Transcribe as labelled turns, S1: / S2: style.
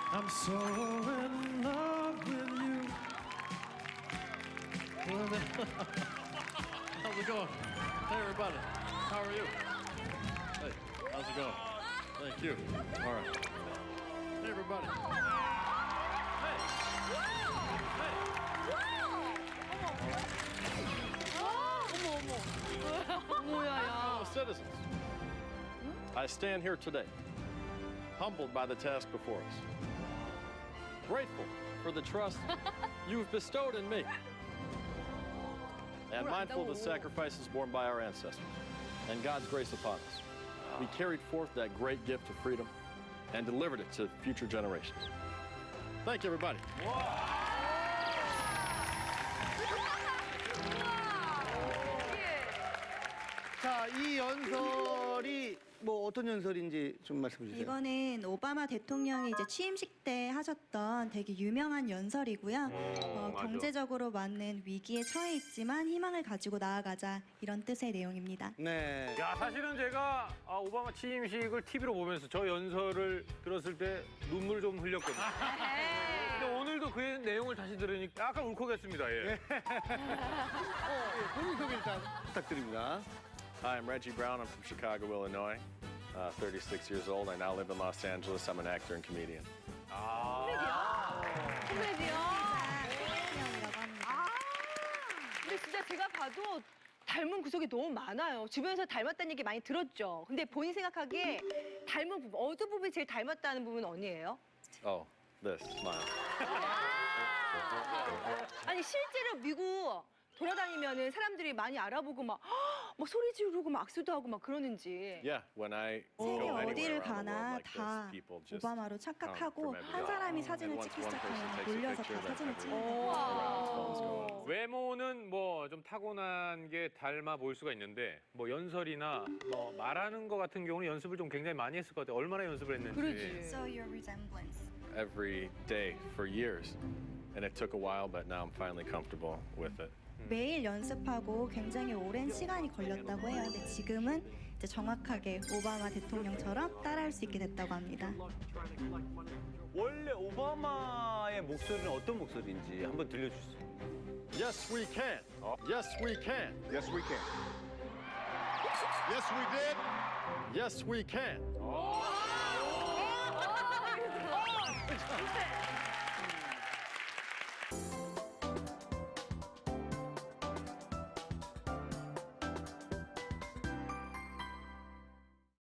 S1: I'm so in love with you. How's it going? Hey, everybody. How are you? Hey, how's it going? Thank you. All right. Hey, everybody. Hey. Fellow citizens, I stand here today, humbled by the task before us, grateful for the trust you've bestowed in me, and mindful of the sacrifices borne by our ancestors and God's grace upon us. We carried forth that great gift of freedom and delivered it to future generations. Thank you, everybody.
S2: 자, 이 연설이 뭐 어떤 연설인지 좀 말씀해 주세요.
S3: 이거는 오바마 대통령이 이제 취임식 때 하셨던 되게 유명한 연설이고요. 경제적으로 많은 위기에 처해 있지만 희망을 가지고 나아가자 이런 뜻의 내용입니다.
S2: 네.
S4: 야, 사실은 제가 오바마 취임식을 TV로 보면서 저 연설을 들었을 때 눈물 좀 흘렸거든요. 근데 오늘도 그 내용을 다시 들으니까 약간 울컥했습니다. 예.
S2: 본인 소개 일단 부탁드립니다.
S1: Hi, I'm Reggie Brown. I'm from Chicago, Illinois. 36 years old. I now live in Los Angeles. I'm an actor and comedian.
S5: 코미디요?
S3: 태영이라고 합니다.
S5: 근데 진짜 제가 봐도 닮은 구석이 너무 많아요. 주변에서 닮았다는 얘기 많이 들었죠. 근데 본인 생각하기에 닮은 부분, 어느 부분이 제일 닮았다는 부분은 어디예요?
S1: Oh, this smile.
S5: 아니 실제로 미국 돌아다니면은 사람들이 많이 알아보고 막 소리 지르고 막 악수도 하고 막 그러는지.
S1: Yeah, when I
S3: 세계
S1: go anywhere
S3: 어디를
S1: around the world
S3: 가나
S1: like this,
S3: 다
S1: people just
S3: 오바마로
S1: come
S3: 착각하고
S1: from
S3: 한
S1: everywhere.
S3: 사람이 사진을
S1: And once
S3: 찍기
S1: one person
S3: 시작하면
S1: takes a
S3: 몰려서
S1: picture,
S3: 다
S1: then
S3: 사진을
S1: everyone
S3: 찍는
S1: around his phones go.
S4: 외모는 뭐 좀 타고난 게 닮아 보일 수가 있는데 뭐 연설이나 뭐 말하는 거 같은 경우는 연습을 좀 굉장히 많이 했을 것 같아요. 얼마나 연습을 했는지.
S5: 그러지.
S3: So your resemblance.
S1: Every day for years. And it took a while, but now I'm finally comfortable with it.
S3: 매일 연습하고 굉장히 오랜 시간이 걸렸다고 해요. 근데 지금은 이제 정확하게 오바마 대통령처럼 따라할 수 있게 됐다고 합니다.
S2: 원래 오바마의 목소리는 어떤 목소리인지 한번 들려주세요.
S1: Yes, we can. Yes, we can.
S6: Yes, we can. Yes, we did.
S1: Yes, we can.